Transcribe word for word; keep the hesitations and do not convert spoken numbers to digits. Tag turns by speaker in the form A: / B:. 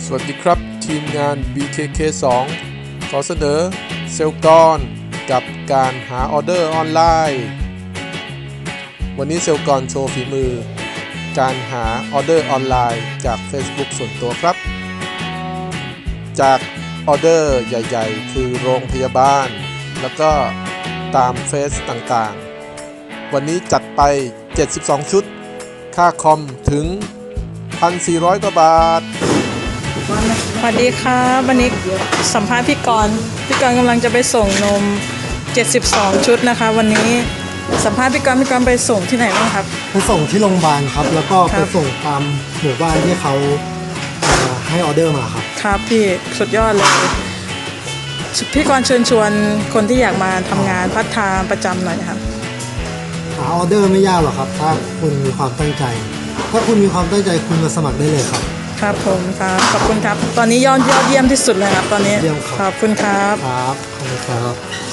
A: สวัสดีครับทีมงาน บี เค เค สอง ขอเสนอเซลล์กรกับการหาออเดอร์ออนไลน์วันนี้เซลล์กรโชว์ฝีมือการหาออเดอร์ออนไลน์จาก Facebook ส่วนตัวครับจากออเดอร์ใหญ่ๆคือโรงพยาบาลแล้วก็ตามเฟซต่างๆวันนี้จัดไปเจ็ดสิบสองชุดค่าคอมถึง หนึ่งพันสี่ร้อย กว่าบาท
B: สวัสดีครับวันนี้สัมภาษณ์พี่กรณ์พี่กรณ์กำลังจะไปส่งนมเจ็ดสิบสองชุดนะคะวันนี้สัมภาษณ์พี่กรณ์พี่กรณ์ไปส่งที่ไหนบ้างครับ
C: ไปส่งที่โรงพยาบาลครับแล้วก็ไปส่งตามหมู่บ้านที่เขาให้ออเดอร์มาครับ
B: ครับพี่สุดยอดเลยพี่กรณ์เชิญชวนคนที่อยากมาทำงานพาร์ทไทม์ประจำหน่อยครับ
C: หาออเดอร์ไม่ยากหรอกครับถ้าคุณมีความตั้งใจถ้าคุณมีความตั้งใจคุณมาสมัครได้เลยครับ
B: ครับผมครับขอบคุณครับตอนนี้ยอดยอดเยี่ยมที่สุดเลยครับตอนนี้
C: เยี่ยมครับ
B: ขอบคุณครับ
C: ครับขอบคุณครับ